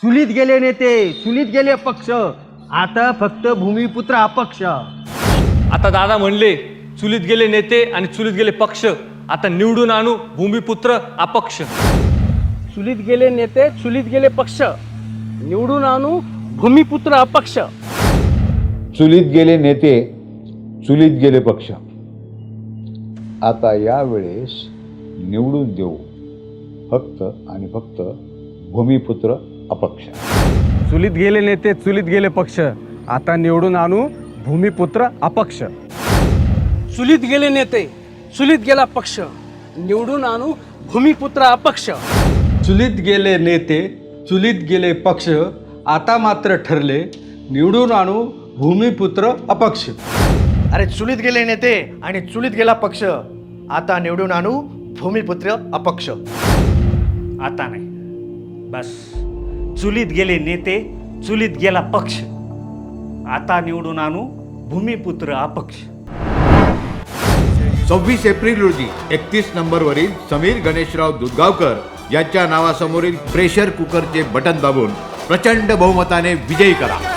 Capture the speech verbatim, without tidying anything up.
चुलीत गेले नेते, चुलीत गेले पक्ष, आता फक्त भूमिपुत्र अपक्ष. आता दादा म्हणले चुलीत गेले नेते आणि चुलीत गेले पक्ष, आता निवडून आणू भूमिपुत्र अपक्ष. चुलीत गेले नेते, चुलीत गेले पक्ष, निवडून आणू भूमिपुत्र अपक्ष. चुलीत गेले नेते, चुलीत गेले पक्ष, आता यावेळेस निवडून देऊ फक्त आणि फक्त भूमिपुत्र अपक्ष. चुलीत गेले नेते, चुलीत गेले पक्ष, आता निवडून आणू भूमिपुत्र अपक्ष. चुलीत गेले नेते, चुलीत गेला पक्ष, निवडून आणू भूमिपुत्र अपक्ष. चुलीत गेले नेते, चुलीत गेले पक्ष, आता मात्र ठरले निवडून आणू भूमिपुत्र अपक्ष. अरे चुलीत गेले नेते आणि चुलीत गेला पक्ष, आता निवडून आणू भूमिपुत्र अपक्ष. आता नाही, बस. चुलीत गेले नेते, चुलीत गेला पक्ष, आता निवडून आणू भूमिपुत्र अपक्ष. सव्वीस एप्रिल रोजी एकतीस नंबरवरील समीर गणेशराव दुधगावकर यांच्या नावासमोरील प्रेशर कुकरचे बटन दाबून प्रचंड बहुमताने विजयी करा.